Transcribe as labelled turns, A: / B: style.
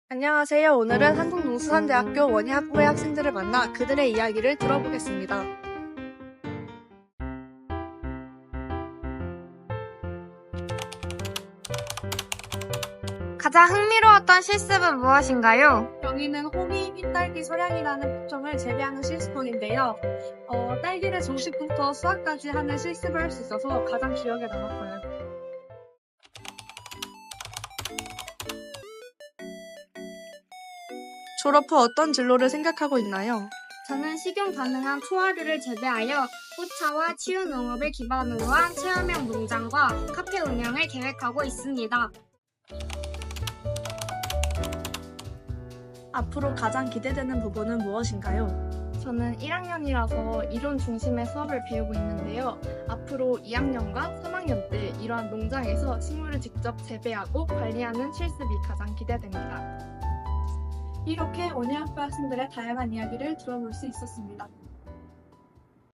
A: 안녕하세요. 오늘은 한국농수산대학교 원예학부의 학생들을 만나 그들의 이야기를 들어보겠습니다.
B: 가장 흥미로웠던 실습은 무엇인가요?
A: 여기는 호미 흰딸기 소량이라는 품종을 재배하는 실습본인데요. 딸기를 정식부터 수확까지 하는 실습을 할 수 있어서 가장 기억에 남았어요. 졸업 후 어떤 진로를 생각하고 있나요?
B: 저는 식용 가능한 포화류를 재배하여 꽃차와 치유 농업을 기반으로 한 체험형 농장과 카페 운영을 계획하고 있습니다.
A: 앞으로 가장 기대되는 부분은 무엇인가요?
C: 저는 1학년이라서 이론 중심의 수업을 배우고 있는데요. 앞으로 2학년과 3학년 때 이러한 농장에서 식물을 직접 재배하고 관리하는 실습이 가장 기대됩니다.
A: 이렇게 원예학부 학생들의 다양한 이야기를 들어볼 수 있었습니다.